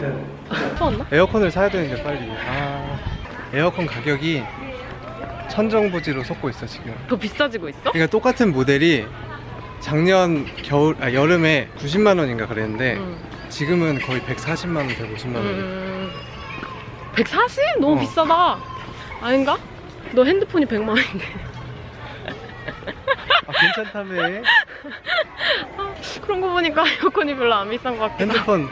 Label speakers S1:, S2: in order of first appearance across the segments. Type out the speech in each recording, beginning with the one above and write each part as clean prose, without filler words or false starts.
S1: 추웠나?
S2: 에어컨을 사야 되는데 빨리. 에어컨 가격이 천정부지로 솟고 있어 지금.
S1: 더 비싸지고 있어?
S2: 그러니까 똑같은 모델이 작년 여름에 90만 원인가 그랬는데 지금은 거의 140만 원, 150만 원.
S1: 140? 너무 비싸다. 아닌가? 너 핸드폰이 100만 원인데.
S2: 괜찮다며.
S1: 그런 거 보니까 에어컨이 별로 안 비싼 것 같긴
S2: 핸드폰.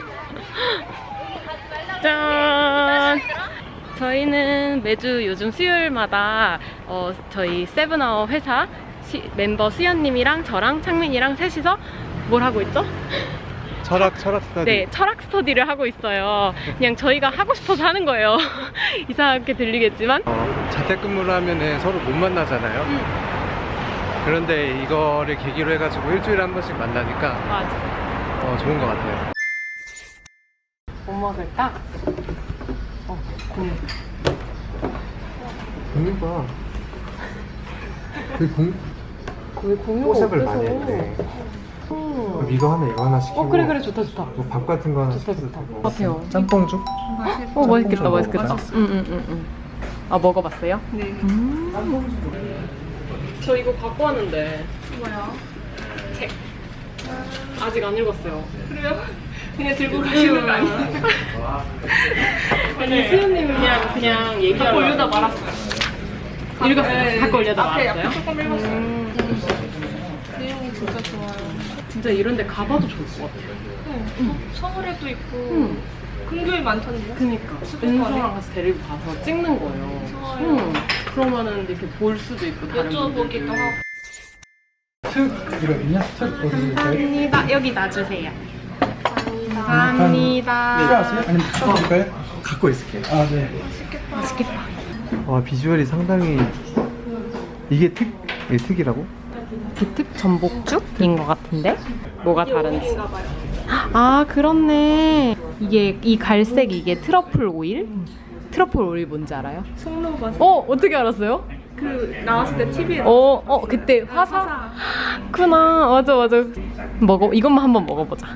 S1: 짠! 저희는 매주 요즘 수요일마다 저희 세븐아워 회사 멤버 수연님이랑 저랑 창민이랑 셋이서 뭘 하고 있죠?
S2: 철학 스터디.
S1: 네, 철학 스터디를 하고 있어요. 그냥 저희가 하고 싶어서 하는 거예요. 이상하게 들리겠지만
S2: 자택근무를 하면은 서로 못 만나잖아요. 그런데 이거를 계기로 해가지고 일주일에 한 번씩 만나니까
S1: 맞아.
S2: 좋은 것 같아요.
S1: 뭐 먹을까? 공유.
S2: 공유가
S1: 왜 공유가
S2: 포샵을
S1: 어때서?
S2: 많이 했네. 그럼 이거 하나 시키고.
S1: 그래 좋다.
S2: 뭐 밥 같은 거 하나
S1: 좋다.
S2: 시켜도 되고.
S1: 같아요.
S2: 짬뽕죽?
S1: 맛있겠다.
S2: 먹어봤어?
S1: 응. 먹어봤어요?
S3: 네.
S1: 저 이거 갖고 왔는데.
S3: 뭐야?
S1: 책. 아직 안 읽었어요.
S3: 그래요? 그냥 들고 가시는 거 아니에요?
S1: 아니 수연님이 그냥 얘기하러
S3: 갖고 올려다 말았어요.
S1: 읽었어요? 갖고 올려다
S3: 앞에
S1: 말았어요?
S3: 조금 읽었어요. 내용이 진짜 좋아요.
S1: 진짜 이런 데 가봐도 좋을 것 같아요.
S3: 서울에도 있고 근교에 많던데요?
S1: 그니까 은서랑 같이 데리고 가서 찍는 거예요.
S3: 좋아요.
S1: 그러면은 이렇게 볼 수도 있고 다른
S3: 여쭤보기도 하고.
S2: 이거 있냐?
S1: 감사합니다. 여기 놔주세요. 감사합니다.
S4: 필요하세요? 아니면 드릴까요?
S2: 갖고 있을게요.
S4: 아, 네.
S1: 맛있겠다.
S2: 와, 비주얼이 상당히. 이게 특이라고?
S1: 비특 전복죽인 것 같은데? 뭐가 다른지. 아, 그렇네. 이 갈색 이게 트러플 오일? 트러플 오일 뭔지 알아요?
S3: 송로버섯.
S1: 어떻게 알았어요?
S3: 그 나왔을 때 TV에
S1: 그때 화사? 구나. 맞아. 이것만 한번 먹어보자.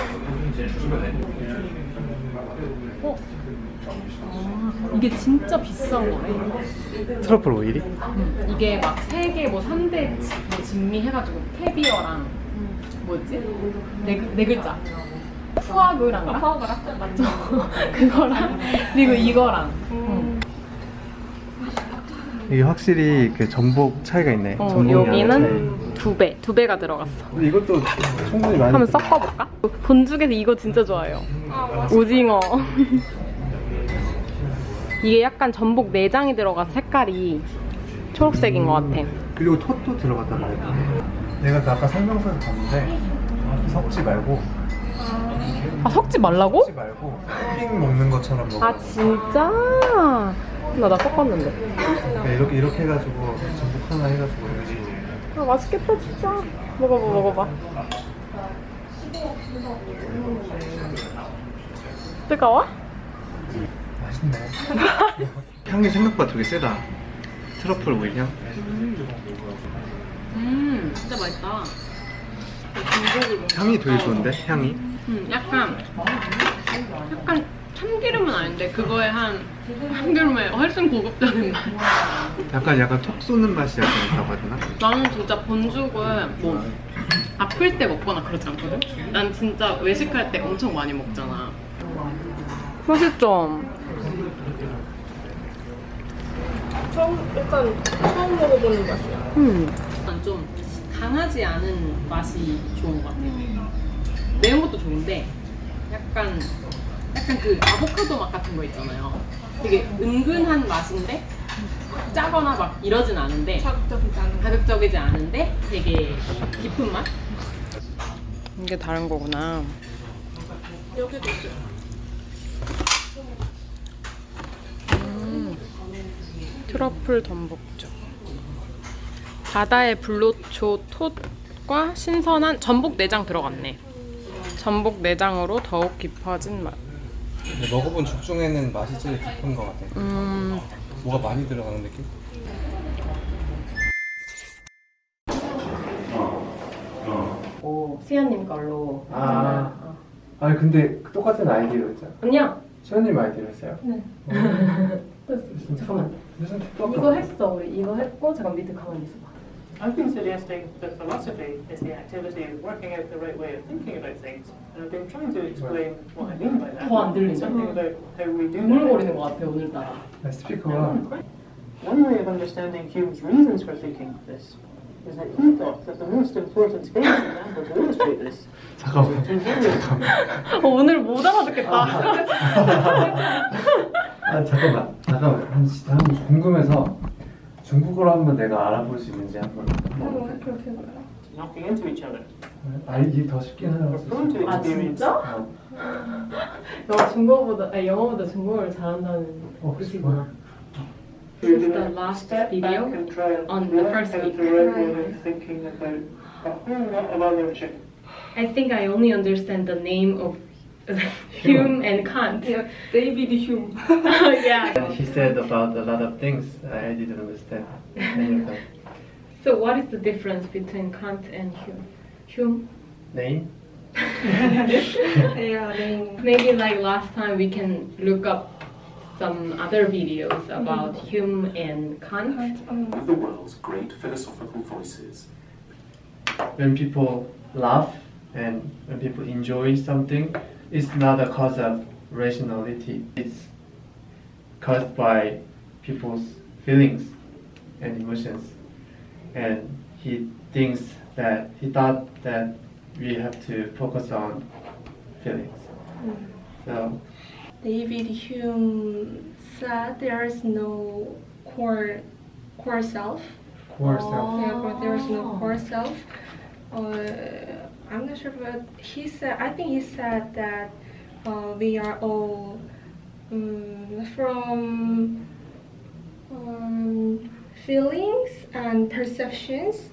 S1: 이게 진짜 비싼 거네.
S2: 트러플 오일이?
S1: 이게 막 3개, 3대 진미 해가지고 캐비어랑 뭐지? 네 글자. 푸아그랑가?
S3: 파워가라?
S1: 맞죠? 그거랑 그리고 이거랑.
S2: 이게 확실히 그 전복 차이가 있네. 전복이
S1: 여기는 2배가 들어갔어.
S2: 근데 이것도 충분히 많이.
S1: 한번 섞어볼까? 본죽에서 이거 진짜 좋아해요. 오징어. 이게 약간 전복 내장이 들어간 색깔이 초록색인 것 같아.
S2: 그리고 톳도 들어갔단 말이야. 내가 아까 설명서를 봤는데 섞지 말고.
S1: 섞지 말라고?
S2: 섞지 말고 핑 먹는 것처럼 먹어.
S1: 아 진짜? 나 섞었는데.
S2: 그러니까 이렇게 해가지고 전복 하나 해가지고 여기.
S1: 아 맛있겠다 진짜. 먹어봐. 뜨거워?
S2: 맛있네. 향이 생각보다 되게 세다. 트러플 오일 향.
S1: 진짜 맛있다.
S2: 향이 되게 좋은데? 향이?
S1: 약간 참기름은 아닌데 그거에 참기름에 훨씬 고급적인 맛.
S2: 약간 톡 쏘는 맛이 약간 있다고 하야 되나?
S1: 나는 진짜 본죽을 뭐 아플 때 먹거나 그러지 않거든? 난 진짜 외식할 때 엄청 많이 먹잖아. 맛있죠?
S3: 처음 먹어보는 맛이야.
S1: 좀 강하지 않은 맛이 좋은 것 같아. 매운 것도 좋은데 약간 그 아보카도 맛 같은 거 있잖아요. 되게 은근한 맛인데 짜거나 막 이러진 않은데 자극적이지 않은데 되게 깊은 맛? 이게 다른 거구나.
S3: 여기도 있어요.
S1: 트러플 전복죽. 바다의 불로초 톳과 신선한 전복 내장 들어갔네. 전복 내장으로 더욱 깊어진 맛.
S2: 먹어본 죽 중에는 맛이 제일 깊은 것 같아. 뭐가 많이 들어가는 느낌?
S1: 수연님 걸로.
S2: 아니 근데 똑같은 아이디로 했잖아.
S1: 아니야.
S2: 시원님 아이디로 했어요?
S1: 네. 잠깐만.
S2: 무슨 틱톡?
S1: 이거 했어. 우리 이거 했고 잠깐 밑에 가만히 있어봐.
S4: I've been suggesting that philosophy is the activity of working out the right way of thinking about things, and I've been trying to explain what I mean by that.
S1: 더 안 들리죠?
S4: It's something about how we do
S1: 우물거리는 것 같아 오늘따라.
S2: 스피커가
S4: One way of understanding Hume's reasons for thinking this is that he thought that the most important famous example to illustrate this
S2: 잠깐만.
S4: was to various
S1: 오늘 못 알아듣겠다.
S2: 아 잠깐만 한 궁금해서 중국어로 한번 내가 알아볼 수 있는지 한번.
S3: 그렇게 해봐요.
S4: knocking into each other.
S2: 이게 더 쉽긴 하다.
S4: We're prone to
S1: 아
S4: experience
S1: 진짜? 너 영어보다 중국어를 잘한다는 뜻이구나.
S4: You're
S1: This is the
S4: gonna
S1: last
S4: step
S1: video
S4: back and try and
S1: on the
S4: work
S1: first
S4: out
S1: week.
S4: the right way of thinking about a whole lot of other shit.
S1: I think I only understand the name of Hume and Kant.
S3: Yeah, David Hume.
S1: Yeah.
S2: And he said about a lot of things I didn't understand any of them.
S1: So what is the difference between Kant and Hume? Hume?
S2: Name?
S3: Yeah, name.
S1: Maybe like last time we can look up some other videos about Hume and Kant.
S5: of the world's great philosophical voices.
S2: When people laugh and when people enjoy something, it's not a cause of rationality. It's caused by people's feelings and emotions. And he thought that we have to focus on feelings. So
S3: David Hume said there is no core self.
S2: core self.
S3: Yeah, but there is no core self. I'm not sure, but I think he said that we are all from feelings and perceptions.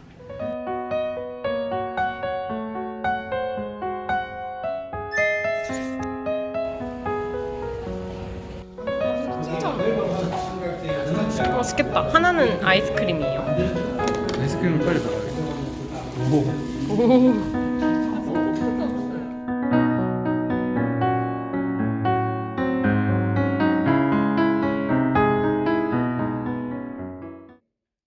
S1: 맛있겠다. 하나는 아이스크림이에요.
S2: 아이스크림을 빨리 먹어야겠다. 오.
S1: 오.